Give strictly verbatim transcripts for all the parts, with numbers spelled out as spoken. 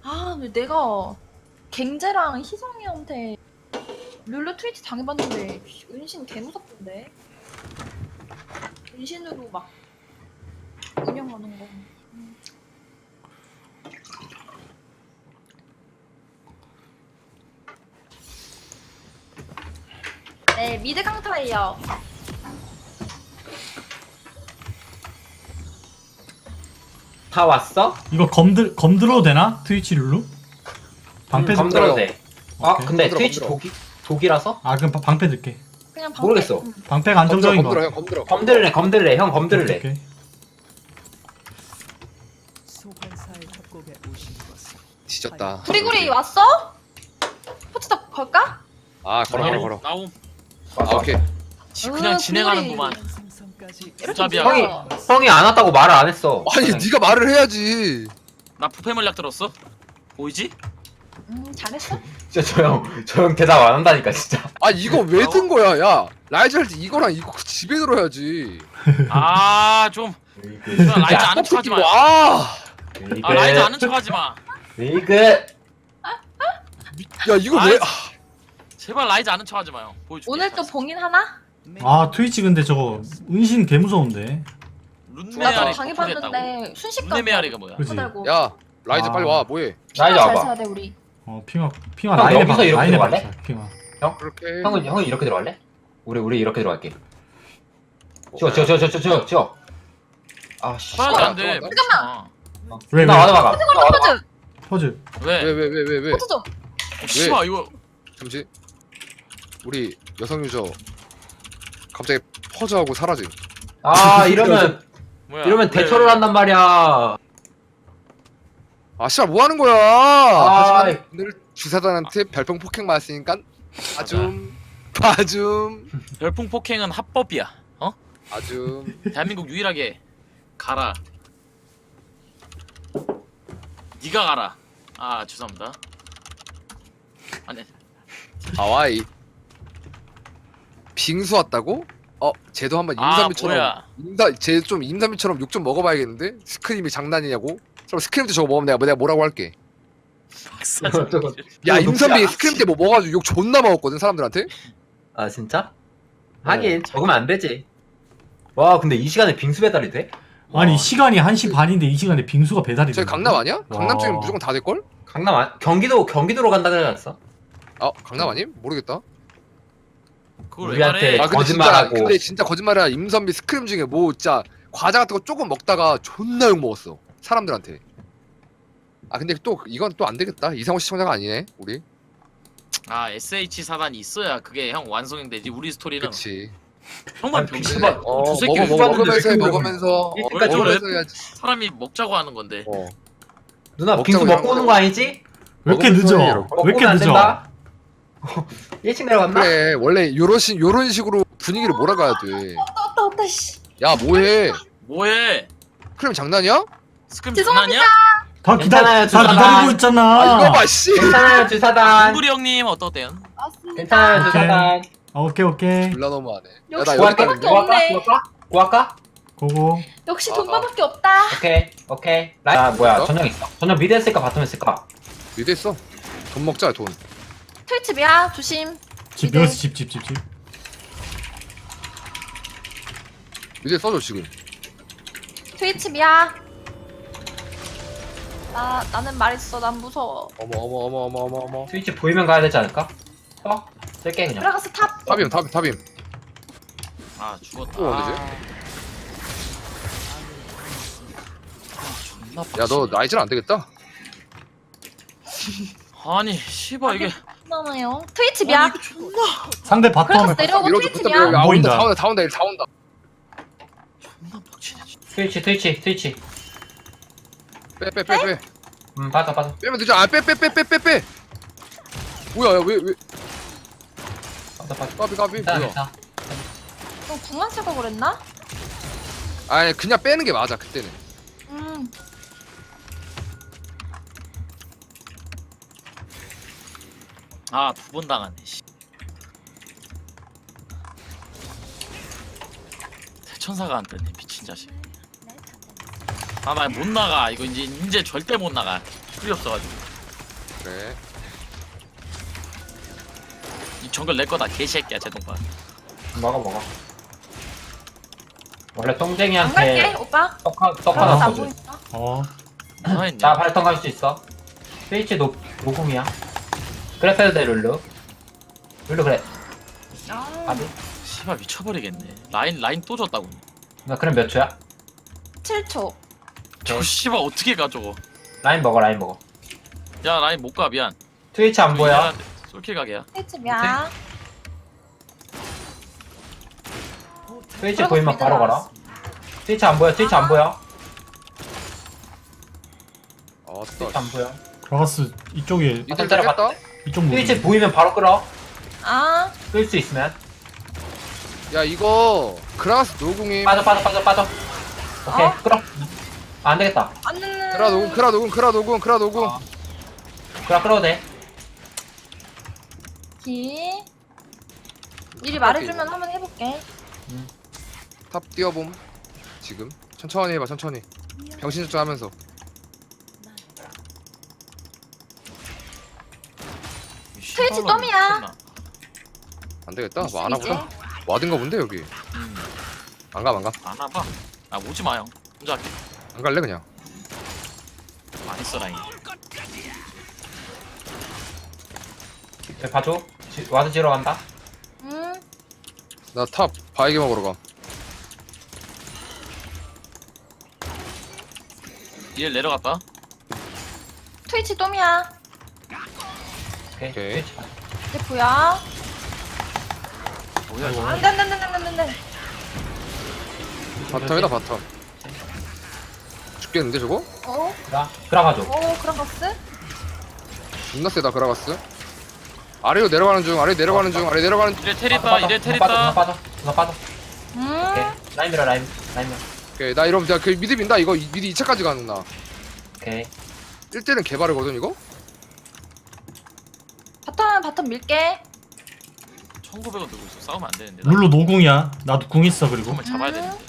아, 왜 내가 갱제랑 희성이한테 룰루 트위치 당해봤는데 은신 개 무섭던데. 은신으로 막 운영하는 거. 음. 네, 미드 강타예요. 다 왔어? 이거 검들 검들어도 되나? 트위치 룰루? 방패 검 들 들어도 돼. 아 오케이. 근데 검들어, 트위치 검들어. 독이 독이라서 아 그럼 바- 방패 들게. 그냥 방패. 모르겠어. 음. 방패가 안정적인 거. 검들어 형 같아. 검들어. 검들래 검들래 형 검들래. 오케이, 오케이. 뒤졌다. 구리구리 왔어? 포트덕 걸까? 아 걸어 걸어 걸어. 나옴. 아 오케이. 지- 그냥 으, 진행하는구만. 이렇게 잡이야. 형이 무서워. 형이 안 왔다고 말을 안 했어. 아니 네가 말을 해야지. 나 부패 물약 들었어? 보이지? 음, 잘했어? 진짜 저형저 형 대답 안 한다니까 진짜. 아 이거 왜 든 거야? 야 라이즈 할 때 이거랑 이거 집에 들어야지. 아 좀. 그냥 라이즈 아는 척하지 마. 아. 아 라이즈 아는 척하지 마. 리그. 야 이거 아이, 왜? 아, 제발 라이즈 아는 척하지 마요. 보여줄게. 오늘 또 봉인 하나? 아 트위치 근데 저거 은신 개 무서운데. 나도 룬메아리 당해봤는데 순식간 룬메아리가 뭐야? 그지? 달고. 야 라이즈 아. 빨리 와 뭐해? 라이즈 잘 와봐. 써야 돼 우리. 어 핑화 핑화 형, 라인에 여기서 박 이렇게 라인에 들어갈래? 박자 핑화. 그렇게. 형은 형은 이렇게 들어갈래? 우리 우리 이렇게 들어갈게. 지워 지워 지워 지워 지워 지워. 아 씨. 말도 안 돼. 잠깐만. 잠깐만. 왜 나 왜? 와도 막아. 나 와도 막아. 포트 퍼즐. 왜? 왜 왜 왜 왜 왜? 포트 좀. 어, 씨발 이거 잠시. 우리 여성 유저 갑자기 퍼즈하고 사라짐. 아 이러면 뭐야? 이러면 왜, 대처를 왜? 한단 말이야. 아 씨발 뭐 하는 거야? 아, 하지만 오늘 주사단한테 별풍 폭행 맞았으니까 아줌 아줌 별풍 폭행은 합법이야. 어? 아줌. 대한민국 유일하게 가라. 네가 가라. 아 죄송합니다. 아니 하와이. 빙수 왔다고? 어, 쟤도 한번 아 임삼비처럼 뭐야? 임사 쟤좀 임삼비처럼 욕 좀 먹어봐야겠는데? 스크림이 장난이냐고? 그럼 스크림도 저거 먹으면 내가 내가 뭐라고 할게. 박사 저거- 저거- 야 저거 임삼비 녹지 스크림 때 뭐 먹어가지고 욕 존나 먹었거든 사람들한테. 아 진짜? 하긴 적으면 안 되지. 와 근데 이 시간에 빙수 배달이 돼? 아니 와, 시간이 한 시 반인데 이 시간에 빙수가 배달이 돼. 저기 강남 아니야? 강남 쪽이면 와. 무조건 다 될 걸? 강남 안 경기도 경기도로 간다 그러지 않았어? 아 강남 아님? 모르겠다. 그걸 왜 우리한테 말해? 아 근데 진짜 거짓말하고. 근데 진짜 거짓말이야. 임선비 스크림 중에 뭐 진짜 과자 같은 거 조금 먹다가 존나 욕 먹었어 사람들한테. 아 근데 또 이건 또 안 되겠다. 이상호 시청자가 아니네 우리. 아 에스에이치 사단이 있어야 그게 형 완성이 되지. 우리 스토리는 그치. 형만 아니, 병신. 빙수만- 어 저 새끼 먹어, 왜 먹어, 먹으면서 해 그러는데 먹으면서 어, 일찍까지 먹으면서 그래? 해야지. 사람이 먹자고 하는 건데. 어. 누나 먹자고 빙수 이런 먹고 거. 오는 거 아니지? 왜 이렇게 먹으면서 늦어? 해요. 왜 이렇게 먹고는 안 늦어? 된다? 일찍 내려갔나? 그래 원래 요런 식 요런 식으로 분위기를 몰아가야 돼. 왔다 왔다 씨. 야 뭐해? 뭐해? 크림 장난이야? 스크림 죄송합니다. 장난이야? 다 기다 괜찮아요, 다 주사단. 기다리고 있잖아. 아 이거 봐 씨. 괜찮아요 주사단. 김구리 형님 어떠대요? 맞습니다. 괜찮아요 오케이. 주사단. 아, 오케이 오케이. 졸라 너무하네. 역시 야나 구할까? 여기까지. 돈밖에 없네. 구할까? 구할까? 고고. 역시 아, 돈바밖에 없다. 오케이 오케이. 라이 아 뭐야 어? 전형 있어. 전형 미드 했을까 바텀 했을까? 미드 했어. 돈 먹자 돈. 트위치비야 조심. 집 이제- 여기서 집집 집 집. 미드 써줘 지금. 트위치비야. 나 나는 말했어. 난 무서워. 어머 어머 어머 어머 어머 어머. 트위치 보이면 가야 되지 않을까? 어? 쓸게 그냥. 들어가서 탑. 탑임 탑임 탑임. 아 죽었다. 또 언제지? 아, 존나 야 너 빡치네. 라이즈는 안 되겠다. 아니 씨발 이게 나나요? 트위치비야. 아니, 존나 상대 그래서 바텀 내려오고 밀어줘 붙어 트위치비야. 밀어. 아 안 보인다. 온다 다 온다 다 온다 다 온다. 존나 빡치네. 진짜. 트위치 트위치 트위치. 빼 빼 빼 빼. 음 빠져 빠져. 빼면 되죠. 아빼 빼 빼 빼 빼 빼. 뭐야 야 왜 왜? 빠져 빠져. 까비 까비 괜찮아 뭐야? 괜찮아. 너 궁만 쓰고 그랬나? 아니 그냥 빼는 게 맞아 그때는. 음. 아 두 번 당하네. 씨. 대천사가 안 뜨네 미친 자식. 아나 못 나가 이거 이제 이제 절대 못 나가. 풀이 없어가지고. 그래. 이 정글 내 거다 개새끼야 제동반. 먹어 먹어. 원래 안 갈게 똥쟁이한테 오빠. 떡, 하- 떡 그럼 하나 안 써줘. 보인다. 어. 뭐 했냐? 나 발통 갈 수 있어. 스위치 노, 노공이야. 그래 패도 돼 룰루. 룰루 그래. 아, 아니. 씨발 미쳐버리겠네. 라인 라인 또 줬다고. 나 그럼 몇 초야? 칠 초. 저 씨발 어떻게 가 저거. 라인 먹어 라인 먹어. 야 라인 못 가 미안. 트위치 안 보여? 솔킬 가게야. 트위치야. 트위치 보이면 바로 가라. 트위치 안 보여 트위치 안 보여. 트위치 아따. 안 보여. 그라가스 이쪽에 이들 때려봤다. 잡겠다. 이쪽 무기. 트위치 보이면 바로 끌어. 아, 끌 수 있으면. 야 이거 그라스 노궁임. 빠져 빠져 빠져 빠져. 오케이 어? 끌어. 아, 안 되겠다. 안 되는. 크라 노궁 크라 노궁 크라 노궁 크라 노궁. 어. 그래 끌어도 돼. 기. 미리 말해주면 한번 해볼게. 탑 뛰어봄. 지금 천천히 해봐 천천히. 병신 집중하면서. 트위치 덤이야. 안 되겠다. 뭐 안 이제. 하보다. 와든가 본데 여기. 음. 안 가, 안 가. 안 와봐. 아 오지 마 형. 혼자 할게. 안 갈래 그냥. 많이 써 라인. 저 봐줘. 지, 와드 지러 간다. 음. 나 탑 바이게 먹으러 가. 얘 내려갔다. 트위치 덤이야. 오케이. 오케이. 트위치. 대포야. 뭐야 이거. 안돼 안돼 안돼 안돼 안돼. 바텀이다 바텀. 죽겠는데 저거? 어? 그라 그라 가줘. 어 그라가스? 존나 세다 그라가스. 아래로 내려가는 중 아래 내려가는 중 아래 내려가는 중. 이래 빠져, 테리다 빠져. 이래 누가 테리다. 빠져 누가 빠져 누가 빠져. 음. 오케이. 라인 밀어 라인 라인 밀어. 오케이 나 이러면 내가 그 미드 민다 이거 이- 미드 이 차까지 가는 나. 오케이. 일 대는 개발이거든 이거? 바텀 바텀 밀게. 천구백 원 들고 있어. 싸우면 안 되는데. 나 룰루 노궁이야. 나도 궁 있어 그리고. 그러면 잡아야 음. 되는데.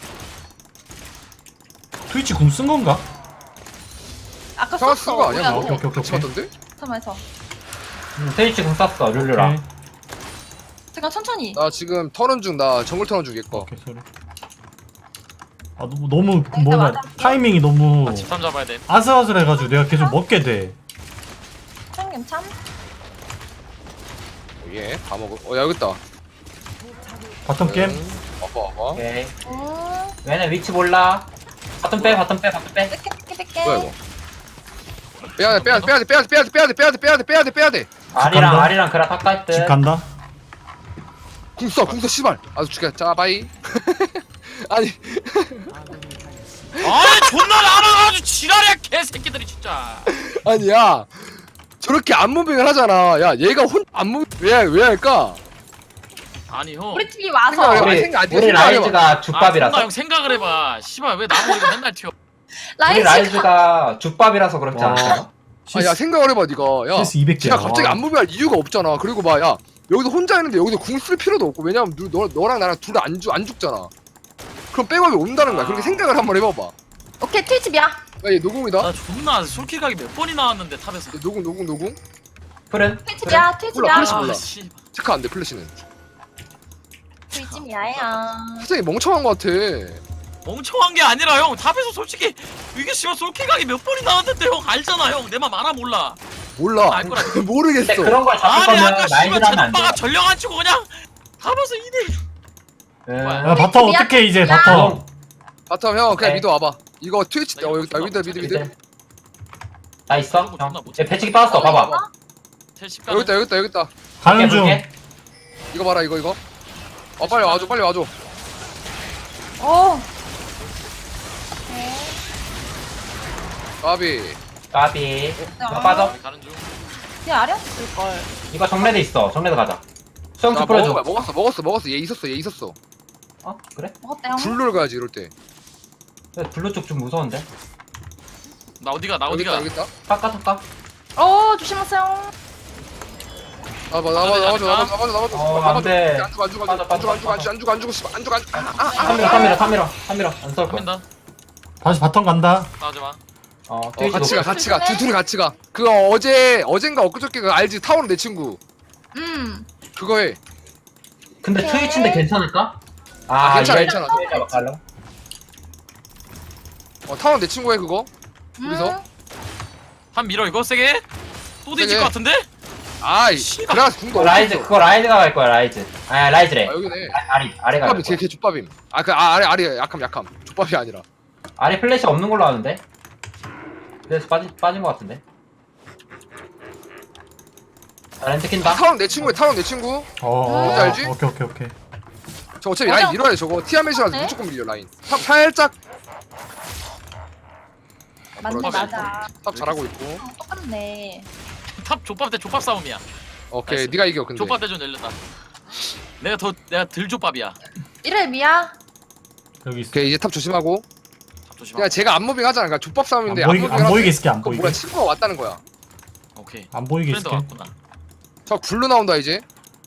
트위치 궁 쓴 건가? 아까 형아 썼어. 쓴거 아니야? 뭐야, 뭐? 오케이, 오케이, 같이 오케이. 맞던데? 바텀에서. 음, 트위치 공 쐈어 룰루랑. 오케이. 잠깐 천천히. 나 지금 터는 중 나 정글 터는 중 얘거. 오케이 소리. 아 너무 너무 그 일단 뭐냐 맞아. 타이밍이 너무 아 집탐 잡아야 돼. 아슬아슬해가지고 내가 계속 먹게 돼. 참김 참. 예, 다 먹어. 어, 야, 여기 있다. 바텀 게임. 음, 와봐, 와봐. 오케이. 음. 얘네 위치 몰라. 바텀 빼 바텀 빼 바텀 빼. 뺄게 뺄게 뺄게. 뭐야, 이거? 빼야 돼, 빼야 돼, 빼야 돼, 빼야 돼, 빼야 돼, 빼야 돼, 빼야 돼, 빼야 돼, 빼야 돼, 빼야 돼. 아리랑 간다. 아리랑 그라 탑갈 듯. 집 간다. 궁 써, 궁 써, 씨발. 아주 죽여. 자, 바이. 아니, 아 존나 알아가지고 지랄이야 개새끼들이 진짜. 아니, 야. 저렇게 안무빙을 하잖아. 야, 얘가 혼, 안무, 왜, 왜 할까? 아니 형. 우리 팀이 와서. 생각을 해봐. 우리 생각 안 돼, 우리 생각 안 해봐. 라이즈가 아, 죽밥이라서. 존나 형 생각을 해봐. 씨발 왜 나보고 이거 맨날 튀어. 우리 라이즈가 라이즈가 죽밥이라서 그렇지 와. 않아? 아, 야, 생각을 해봐, 니가. 야. 실수 이백 개야. 야, 갑자기 안무빙할 이유가 없잖아. 그리고 봐, 야. 여기서 혼자 있는데 여기서 궁 쓸 필요도 없고. 왜냐면 너, 너, 너랑 나랑 둘 다 안 죽, 안 죽잖아. 그럼 백업이 온다는 거야. 그렇게 생각을 한번 해봐봐. 오케이 트위치 미야. 야, 얘 노궁이다. 나 존나 솔킬 가기 몇 번이 나왔는데 탑에서. 얘 노궁, 노궁, 노궁. 풀은? 트위치 미야. 트위치 몰라, 미야. 플래시 몰라. 아 씨. 체크 안 돼, 플래시는. 트위치 미야야. 갑자기 멍청한 거 같아. 멍청한 게 아니라 형 탑에서 솔직히 이게 씨발 솔킬 가기 몇 번이 나왔는데 형 알잖아 형. 내 맘 알아 몰라. 몰라. 알 거라. 모르겠어. 근데 그런 걸 잡을 아니 거면 아까 씨발 라이즈를 하면 안 돼. 제동바가 전령 안 치고 그냥 탑에서 이 대 음. 야 바텀 어떻게 이제 바텀. 바텀 형 그냥 오케이. 미드 와봐. 이거 트위치 어 여기 있다 미드 미드 미드. 미드. 나 있어? 존나 형. 못 얘 배치기 빠졌어. 봐봐. 텔십 여기 있다 여기 있다 여기 있다. 가는 중. 볼게. 이거 봐라 이거 이거. 아 빨리 와줘 빨리 와줘. 오. 까비. 까비. 어. 나 빠져. 가는 중. 걔 아래였을 걸. 이거 정례드 있어. 정례드 가자. 나 수영수 먹어 뿌려줘. 먹었어 먹었어 먹었어 얘 있었어 얘 있었어. 어? 그래? 먹었대요. 블루를 가야지 이럴 때. 근데 블루 쪽 좀 무서운데? 나 어디가 나 여기 있다 어디가. 여기 있다. 깎아 깎아. 어 조심하세요. 나봐 나봐 나봐줘 나봐줘 나봐줘 나봐줘. 어, 안 돼. 안 죽어 안 죽어 빠져, 안 죽어 안 빠져, 죽어 안 죽어 안 죽어 안 죽어 씨발 안 죽어 안 죽어. 삼미러 삼미러 삼미러 삼미러 안 쏠 거야. 한다. 다시 바텀 간다. 나오지 마. 어 어 트위치 같이 가 높을. 같이 가. 두 둘이 같이 가. 그거 어제 어젠가 엊그저께 그 알지? 타오는 내 친구. 음. 그거 해. 근데 오케이. 트위치인데 괜찮을까? 아, 괜찮아, 얘- 괜찮아. 얘 잡아갈래? 어 타오는 내 친구 해 그거. 여기서? 음. 한 밀어 이거 세게. 또 뒤질 세게. 것 같은데? 아이 씨발. 그래서 궁도 라이즈 없어. 그거 라이즈가 갈 거야 라이즈. 아 라이즈래. 아 여기네. 아, 아리 아래가 갈 족밥임 거야. 걔 족밥임. 아그 아, 아래 아래 약함 약함. 족밥이 아니라. 아래 플래시 없는 걸로 아는데. 그래서 빠진 빠진 것 같은데. 아, 렌트 킨다. 타오는 내 친구야 타오는 내 친구. 어, 어, 뭔지 알지? 오케이 오케이 오케이. 저 어차피 맞아. 라인 밀어야 돼 저거. 티아멧이라서 네? 무조건 밀려 라인. 탑 살짝 맞네 그렇지. 맞아. 탑 잘하고 있고. 어, 똑같네. 탑 족밥 대 족밥 싸움이야. 오케이 나이스. 네가 이겨 근데. 족밥 대전 열렸다. 내가 더 내가 덜 족밥이야. 이름이야? 여기 있어. 오케이 이제 탑 조심하고. 탑 조심하. 그냥 제가 안무빙 하잖아. 그러니까 족밥 안 싸움인데 보이게 안무빙 안 보이게 있을게 안 그 보이게. 뭐야 친구가 왔다는 거야. 오케이. 안 보이게 프렌드 있을게. 왔구나. 저 굴러 나온다 이제.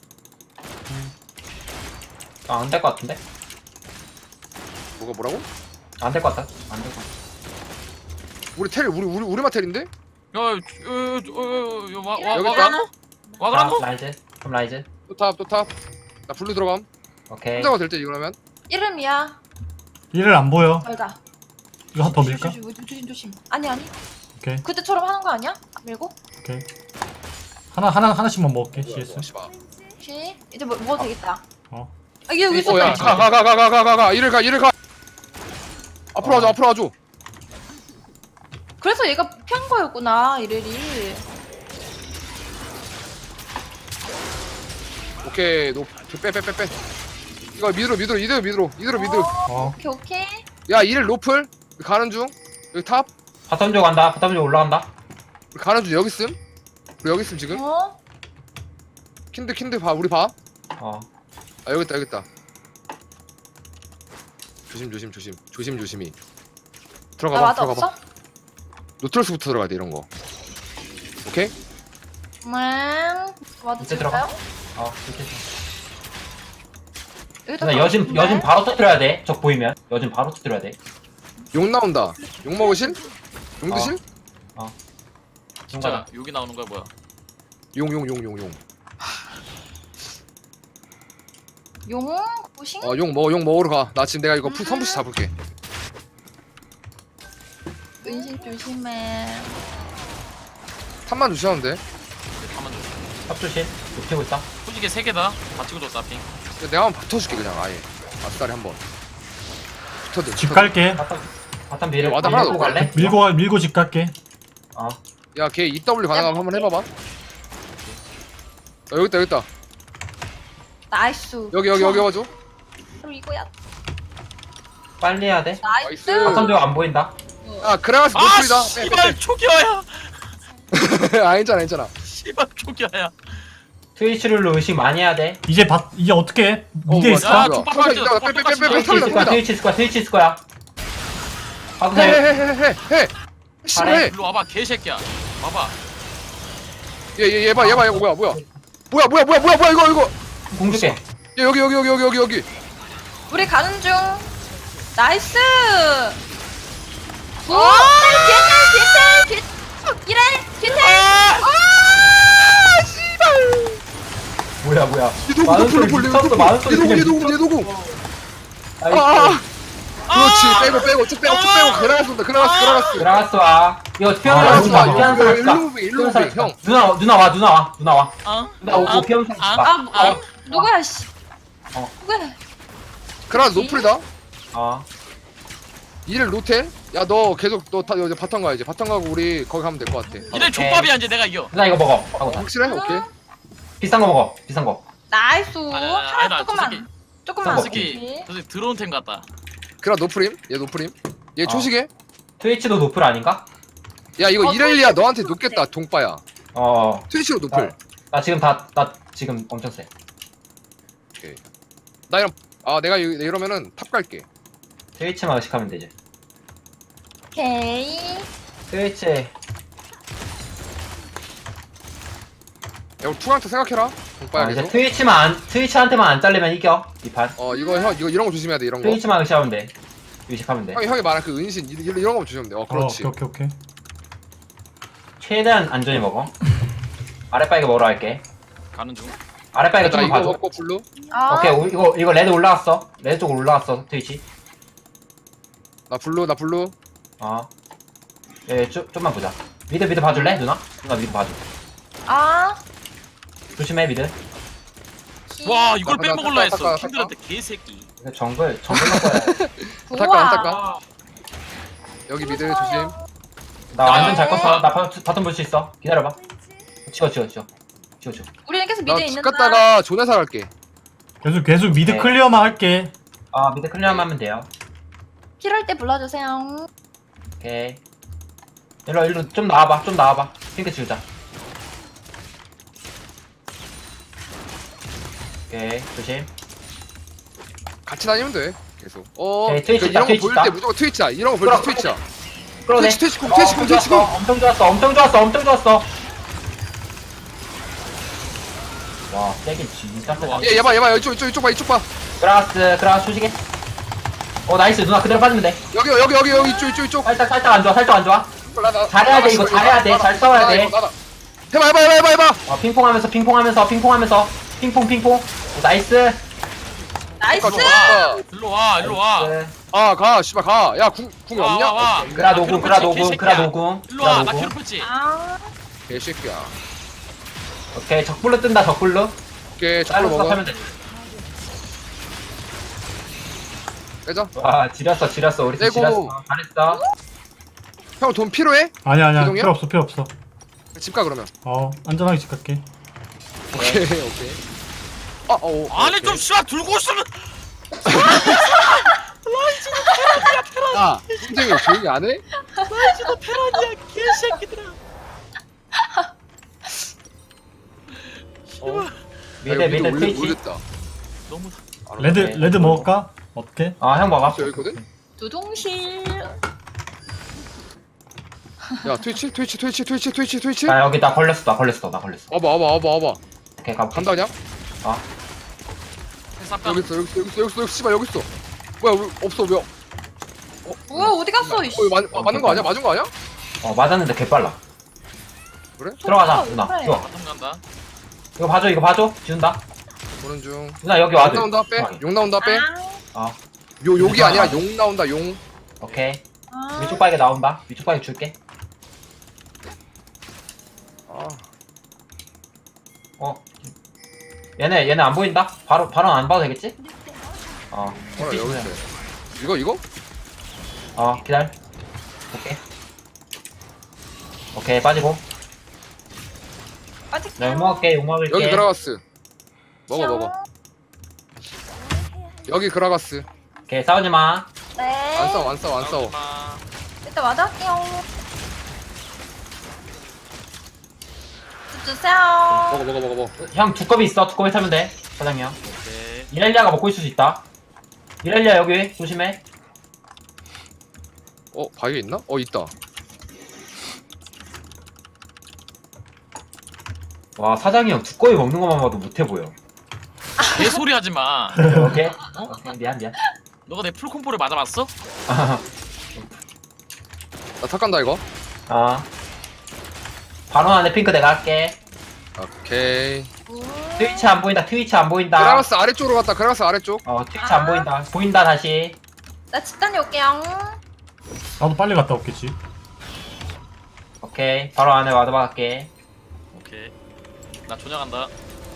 아, 안 될 것 같은데? 뭐가 뭐라고? 안 될 것 같다. 안 될 것 같아. 우리 텔 우리 우리 우리 마텔인데? 야, 어어어와 여기 와그라노? 와그라노? 자, 라이즈. 그럼 라이즈. 또 탑 또 탑. 나 블루 들어감. 오케이. 혼자가 될때 이거라면. 이름이야? 이를 안 보여. 말자. 이거 한 더 밀까? 조심, 조심 조심 조심. 아니 아니. 오케이 그때처럼 하는 거 아니야? 밀고? 오케이. 하나 하나 하나씩만 먹을게. 씨에스. 씨발. 혹시 이제 뭐 먹어도 되겠다. 어. 아 이게 여기 있었다. 어야 가 가 가 가 가 가 가 가 이를 가 이를 가. 앞으로 와줘 앞으로 와줘. 그래서 얘가 피한 거였구나 이래리. 오케이 노빼빼빼 빼. 이거 미드로 미드로 이대로 미드로 이대로 미드. 어. 오케이 오케이. 야 이를 노플 가는 중. 여기 탑 바텀 쪽 간다. 바텀 쪽 올라간다. 우리 가는 중 여기 있음. 우리 여기 있음 지금. 어? 킨드 킨드 봐 우리 봐. 어. 아 여기 있다 여기 있다. 조심 조심 조심 조심 조심히. 나 들어가 봐 와드 들어가 봐. 없어? 노트러스부터 들어가야 돼 이런 거. 오케이? 음. 와드 이제 찍을까요? 어. 이렇게. 여기다 나 여진 가는데? 여진 바로 터뜨려야 돼. 적 보이면 여진 바로 터뜨려야 돼. 용 나온다. 용 먹으실? 용 어. 드실? 진짜 여기 나오는 거야 뭐야? 용 용 용 용 용. 용? 고싱? 어 용 먹어 용 먹으러 가. 나 지금 내가 이거 푸 음. 선부시 잡을게. 은신 조심해. 탑만 주시면 돼. 가만 좀. 탑 조심. 높이고 있다. 솔직히 세 개다. 다 찍어줬다 핑. 내가 한번 붙어줄게 그냥 아예. 아싸리 한번. 붙어들. 집 갈게. 바텀 바텀 미를 와드 하나 밀고 넣을까? 갈래? 밀고 가- 밀고 집 갈게. 어. 야걔 이더블유 가능하면 한번 해봐봐. 어, 여기 있다 여기 있다. 나이스. 여기 여기 여기 와줘. 그럼 이거야. 빨리 해야 돼. 나이스. 나이스. 바텀 쪽 안 보인다. 아 그라가스 아 노플이다. 씨발 초기화야. 아 괜찮아 괜찮아. 씨발 초기화야. 트위치를 의식 많이 해야 돼. 이제 바 이제 어떻게 해? 어, 미드에 뭐야. 있을까? 야, 족밥 탑 빨리 이따가 족밥 빼, 빼, 빼, 빼, 똑같이 빼. 트위치 있을 거야. 트위치 있을 거야. 트위치 있을 거야. 하고 해. 해해해해해. 싫어해. 일로 와봐 개새끼야. 와봐. 얘얘얘 봐 얘 봐 이거 뭐야 뭐야. 뭐야 뭐야 뭐야 뭐야 뭐야 이거 이거. 공 줄게. 얘 여기 여기 여기 여기 여기 여기. 우리 가는 중. 나이스. 오! 뒤에 뒤에 뒤에 이래 뒤에. 아! 씨발. 뭐야 뭐야. 얘 누구 많은 노플 소리 노플 미쳤어. 많은 소리 얘 누구 얘 그냥 누구 얘 누구. 나이스. 아아. 그렇지 아! 빼고 빼고 쭉 빼고 쭉 빼고 그라가스 온다 그라가스 그라가스. 들어갔어 와. 이거 피하는 아, 사람 좋아. 봐. 피하는 사람 일로 봐. 무빙 일로 무빙 형. 누나 누나 와 누나 와 누나 와. 어? 누나 오고 피하는 사람 아, 봐. 아, 뭐, 아, 누구야 씨. 어. 누구야? 그라가스 노플이다. 어. 이를 노텔? 야 너 계속 너 다 이제 바텀 가야지. 바텀 가고 우리 거기 가면 될 것 같아. 이래 족밥이야 이제 내가 이겨. 누나 이거 먹어. 하고 나. 확실해? 오케이. 비싼 거 먹어. 비싼 거. 나이스. 아니, 아니, 하나 아니다, 저 조금만. 새끼. 조금만. 저 저 새끼 오케이. 저 새끼 드론 템 같다. 그라 노프림? 얘 노프림? 얘 어. 초식에? 트위치도 노플 아닌가? 야 이거 어, 이렐리아 트위치 너한테 노플. 높겠다 동빠야. 어. 트위치로 노플. 나 지금 다 나 지금 엄청 세. 나 이런 아 내가 이- 이러면은 탑 갈게. 트위치만 의식하면 되지. 오케이. 트위치. 야 우리 투강타 생각해라. 동빠야 어, 이제 계속. 트위치만 안, 트위치한테만 안 잘리면 이겨 이 판. 어 이거 형 이거 이런 거 조심해야 돼 이런 거. 트위치만 의식하면 돼. 의식하면 돼. 형이 형이 말한 그 은신 이- 이런 거 조심하면 돼. 어 어, 그렇지. 오케이 오케이 오케이. 최대한 안전히 먹어. 아랫바위게 먹으러 갈게. 가는 중. 아랫바위게 나 좀 이거 봐줘. 먹고 블루. 아, 오케이 오, 이거 이거 레드 올라갔어. 레드 쪽으로 올라갔어 트위치. 나 블루 나 블루. 어. 예, 좀 좀만 보자. 미드 미드 봐줄래 누나? 누나 미드 봐줘. 아. 조심해 미드. 와 이걸 잠깐, 빼먹을라 했어. 잠깐, 킨들한테 개새끼. 이거 정글 정글 먹어야 돼. 잠깐, 잠깐. 아, 여기 미드 조심. 나 완전 잘 껐어. 나 바, 바텀 볼 수 있어. 기다려봐. 치워 치워 치워. 치워 치워. 우리는 계속 나 미드에 집 있는다. 갔다가 조네사 갈게. 계속 계속 미드 네. 클리어만 할게. 아 미드 클리어만 하면 돼요. 필요할 때 불러주세요. 오케이. 일로 일로 좀 나와봐. 좀 나와봐. 핑크 치우자. 오케이 조심. 같이 다니면 돼. 계속. 어. 오케이, 트위치 그 있다, 이런 거 트위치 보일 있다. 때 무조건 트위치야. 이런 거 보일 끌어, 때 트위치야. 끌어내. 트위치, 트위치 공, 어, 트위치 공, 엄청 트위치 좋았어. 공. 엄청 좋았어. 엄청 좋았어. 엄청 좋았어. 와 세긴 진짜 세다. 와. 얘, 얘 봐, 얘 봐. 이쪽, 이쪽, 이쪽 봐, 이쪽 봐. 그라스 그라스 조식해. 어 나이스 누나 그대로 빠지면 돼. 여기, 여기, 여기, 여기, 이쪽, 이쪽, 이쪽. 살짝 살짝 안 좋아. 살짝 안 좋아. 나, 나, 잘해야 나, 돼, 이거 나, 잘해야 나, 돼. 나, 잘 싸워야 나, 돼. 이거, 나, 나. 해봐, 해봐, 해봐, 해봐, 해봐. 어 핑퐁하면서 핑퐁하면서 핑퐁하면서 핑퐁 핑퐁. 나이스. 나이스. 좋아. 일로 와 일로 와. 나이스. 아, 가, 씨발, 가. 야, 궁, 궁 와, 없냐? 와, 와. 오케이. 그라 노궁 그라 노궁 그라 노궁. 일로 와. 그라 나 노궁. 괴롭혔지. 아. 개새끼야. 오케이 적불로 뜬다 적불로. 오케이, 짤로 저걸로 먹어. 하면 돼. 빼자. 와 지렸어 지렸어 우리 팀 떼고. 지렸어. 잘했어. 형, 돈 필요해? 아니야 아니야 기동이야? 필요 없어 필요 없어. 집 가, 그러면. 어 안전하게 집 갈게. 오케이, 오케이. 아, 어, 아니 오케이. 좀 씨발 들고 있으면. 야, 선생님 조용히 안 해? 진짜 테란이야 개새끼들아. 어. 미드 야, 미드 올리- 트위치. 올렸다. 너무 알았어. 레드 오케이. 레드 먹을까? 어때? 아형 먹어. 여기 있거든? 두둥실. 야, 트위치, 트위치, 트위치, 트위치, 트위치, 트위치. 나 여기 나 걸렸어 나 걸렸어 나 걸렸어. 와봐, 와봐, 와봐, 와봐. 오케이 가. 간다, 그냥? 쌉 여기 있어, 여기 있어, 여기 있어, 여기 있어, 여기 씨발, 여기 있어. 뭐야, 왜, 없어, 왜? 어, 뭐야 어디 갔어? 이씨. 어, 이거 맞, 아, 맞는 거 아니야? 맞은 거 아니야? 어 맞았는데 개 빨라. 그래? 들어가자 어, 누나. 그래. 이거 바텀 간다. 이거 봐줘 이거 봐줘. 지운다. 보는 중. 누나 여기 용 와줘. 나온다, 빼. 편하게. 용 나온다, 빼. 아. 어 요, 욕이 유사. 아니라 용 나온다, 용. 오케이. 아. 위쪽 바에게 나온다. 위쪽 바에게 줄게. 아, 어. 얘네 얘네 안 보인다. 바로 바로 안 봐도 되겠지? 어. 뭐야, 여기 있어. 이거, 이거? 어 기다려. 오케이. 오케이 빠지고. 빠질게요. 나 욕 먹을게 욕 먹을게. 여기 그라가스. 먹어, 먹어. 여기 그라가스. 오케이 싸우지 마. 네. 안 싸워, 안 싸워, 안 싸워. 마. 일단 와드 할게요. 주세요. 먹어, 먹어, 먹어, 먹어. 형 두꺼비 있어. 두꺼비 타면 돼. 사장님. 오케이. 이렐리아가 먹고 있을 수 있다. 이렐리아 여기 조심해. 어, 바위에 있나? 어, 있다. 와 사장이 형 두꺼비 먹는 것만 봐도 못해 보여. 개소리 하지 마. 오케이. 오케이 미안 미안. 너가 내 풀콤보를 맞아봤어? 나 탁 간다, 이거. 아. 바로 안에 핑크 내가 할게. 오케이. 트위치 안 보인다. 트위치 안 보인다. 그라가스 아래쪽으로 갔다, 그라가스 아래쪽. 어 트위치 안 보인다. 보인다 다시. 나 집 다녀올게요. 나도 빨리 갔다 올겠지. 오케이. 바로 안에 와드 박을게. 오케이. 나 조냥한다.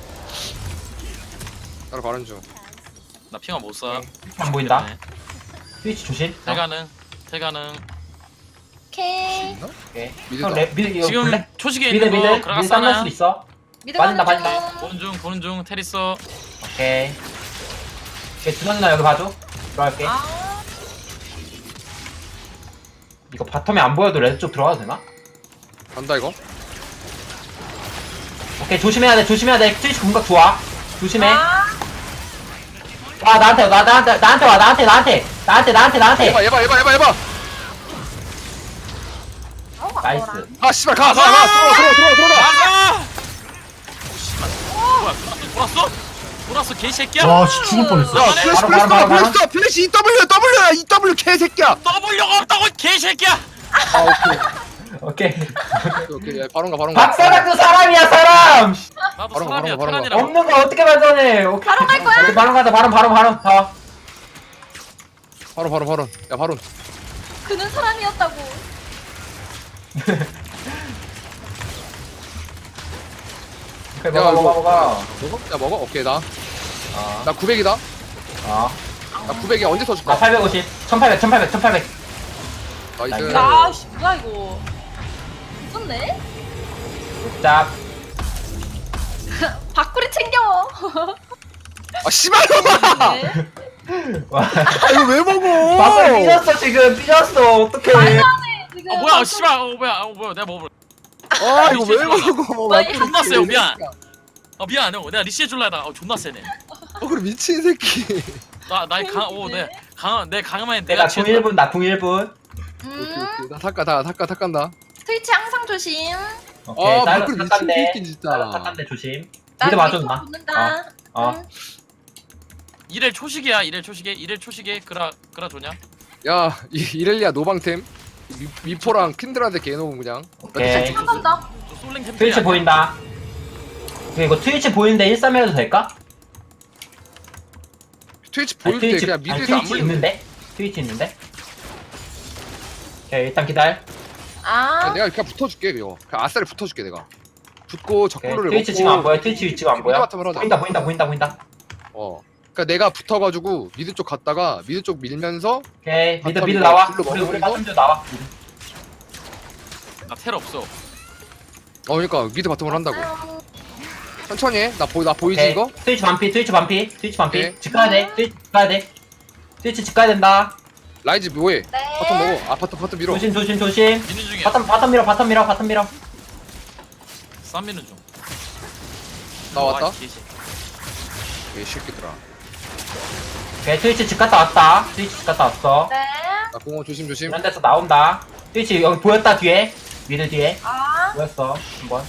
따로 가는 중. 나 핑화 못 쏴. 트위치 안 보인다. 트위치 조심. 어, 태가능. 태가능. 오케이. 오케이. 미드다. 형 레, 미드 이거 지금 볼래? 초식에 미드 있는 미드 거 미드 그라가스 땀날 하나. 수도 있어. 미드 빠진다, 가는 빠진다. 중. 보는 중 보는 중 테리서. 오케이. 오케이 준호 누나 여기 봐줘. 들어갈게. 아. 이거 바텀에 안 보여도 레드 쪽 들어가도 되나? 간다, 이거. 오케이 조심해야 돼. 조심해야 돼. 트위치 공각 좋아. 조심해. 아. 와 나한테 와 나한테 나한테 와 나한테 나한테 나한테 나한테 나한테. 해봐, 해봐, 해봐, 해봐, 해봐. 어, 나이스. 아까워라. 아, 씨발, 가, 가, 가. 들어와, 들어와, 들어와, 들어와. 나가! 오 씨발. 뭐야? 돌았어? 돌았어? 돌았어 개새끼야? 와 씨, 죽을 뻔했어. 야, 네. 플래시, 바로, 플래시, 바로, 바로, 플래시, 플래시, E W, W야, E W, 개새끼야. W가 없다고 개새끼야! 아 오케이. 오케이. 오케이, 야, 바론가 바론가. 박사장도 사람이야 사람. 나도 바로, 사람이야 바로, 바로, 테란이라고. 없는 거 어떻게 만들어내? 오케이. 바로 갈 거야? 오케이, 바로 가자. 바로 바로 바로. 가. 바론 바론 바론. 야 바론. 그는 사람이었다고. 오케이 야, 먹어 이거- 먹어 먹어. 먹어? 야 먹어? 오케이 나. 어. 나 구백이다. 어. 나 구백이 언제 나 터줄까? 팔백오십. 천팔백 천팔백 천팔백. 나이스. 야, 씨, 뭐야 이거. 미쳤네? 짭. 밖구리 챙겨. 아 씨발놈아! 네. 와. 아 이거 왜 먹어? 박사 삐졌어 지금 삐졌어. 어떡해. 지금 아 뭐야 밖구리- 씨발 어 뭐야 어 뭐야 내가 먹어. 아 이거 왜 미친 먹어? 나 나 존나 세요, 이 미안. 새끼야. 아 미안 형 내가 리시해 줄라 하다가 어, 존나 세네. 어 그래 미친 새끼. 나나강오내 강함에 내가 내가 궁 치는 일 분 나 궁 일 분. 오케이 음, 오케이. 나 탁가 다 탁가 탁간다. 트위치 항상 조심. 오케이. 아 사이버 밖으로 미친 탁간데. 새끼 진짜. 사이버 탁간데 조심. 나 미드 맞아 밑으로 누나. 붙는다. 어. 음. 이렐 초식이야 이렐 초식에 이렐 초식에 그라 그라 좋냐? 야 이, 이렐리아 노방템. 미, 미포랑 킨드라한테 개놓은 그냥. 오케이. 한 번 더. 저 솔랭 템플이 트위치 아니야? 보인다. 이거 트위치 보이는데 일삼 해도 될까? 트위치 아니, 보일 때 트위치, 그냥 아니, 미드에서 안 트위치 물리면 돼. 있는데? 트위치 있는데? 오케이 일단 기다려. 아, 야, 내가 그냥 붙어줄게 이거. 그냥 아싸리 붙어줄게 내가. 붙고 오케이. 적구를 트위치 지금 안 보여? 트위치 위치가 안 보여? 미드 바텀을 하자. 보인다 보인다 보인다 보인다. 어. 그러니까 내가 붙어가지고 미드 쪽 갔다가 미드 쪽 밀면서 오케이 미드 바텀 미드 이거 나와. 불러 우리 우리 먹으면서? 바텀도 나와. 나 텔 없어. 어 그러니까 미드 바텀을 한다고. 아, 천천히 해. 나 보이 나 보이지 오케이. 이거? 트위치 반피 트위치 반피 트위치 반피. 오케이. 집 가야 돼. 트위치 집 가야 돼. 트위치 집 가야 된다. 라이즈 뭐해? 네. 바텀 먹어. 아 바텀 바텀 밀어. 조심 조심 조심. 미는 중이야. 바텀 바텀 밀어 바텀 밀어 바텀 밀어. 쌈 미는 중. 나 왔다. 아, 이 개새끼. 이 새끼들아. 오케이 트위치 집 갔다 왔다. 트위치 집 갔다 왔어. 네. 나 공원 조심 조심. 이런 데서 나온다. 트위치 여기 보였다 뒤에. 미드 뒤에. 아, 보였어. 한번.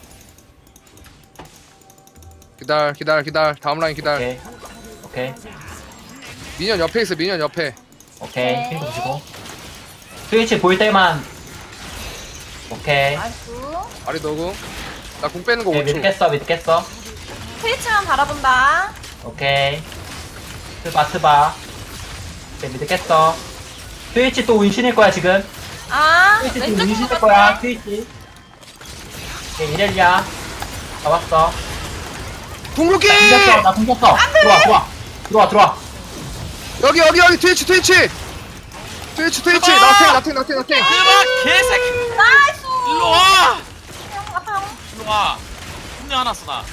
기다려 기다려 기다려. 다음 라인 기다려. 오케이. 오케이. 미니언 옆에 있어 미니언 옆에. 오케이. 네. 핑크 보시고. 트위치 보일 때만. 오케이. 아이고. 아리 너구. 나 공 빼는 거 오케이 오 초. 미드 깼어 미드 깼어. 트위치만 바라본다. 오케이. 트바 트바. 오케이 미드 깼어. 트위치 또 운신일 거야 지금. 아, 트위치 또 왼쪽 운신일 보고 거야 있네. 트위치. 오케이 이렐리아. 잡았어. 궁극기! 나 공겼어 나 공겼어. 들어와 들어와. 들어와 들어와. 여기 여기 여기 트위치 트위치. 트위치 트위치. 아! 나탱 나탱 나탱 나탱. 대박 개새끼. 나이스. 일로 와. 아파요. 일로 와. 분명 하나 써 나.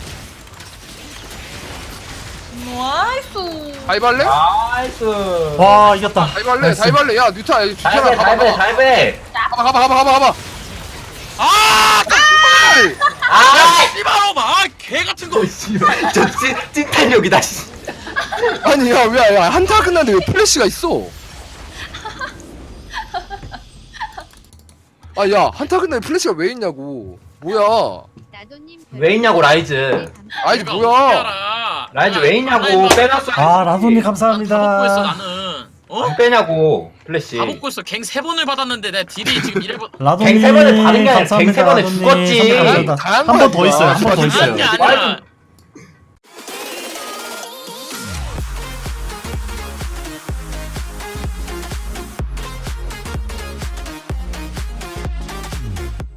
나이스. 다이발레? 나이스. 와 이겼다. 다이발레 나이스. 다이발레. 야 뉴타 다이브 뷰타나 가봐 다이브 가봐 다이브. 가봐 가봐 가봐 가봐 가봐. 아! 씨발! 아! 씨발로마. 아, 개 같은 거. 저 찐, 찐탄력이다 씨. 아니 야왜야 한타 끝났는데 왜 플래시가 있어? 아 야 한타 끝났는데 플래시가 왜 있냐고. 뭐야? 왜 있냐고 라이즈. 아이즈 내가 뭐야? 어떻게 알아? 라이즈 아, 왜 있냐고. 아, 빼놨어. 아 라돈님 다 먹고 있어 감사합니다. 나는. 어? 안 빼냐고 플래시. 다 먹고 있어. 갱 세 번을 받았는데 내 딜이 지금 이래 번. 라돈님 갱세 번에 받은 게 아니라 감사합니다. 갱세 번에 라돈님. 죽었지. 감사합니다. 다양한 한 번 더 거야, 있어요. 한 번 더 진짜. 있어요. 다른 게 아니라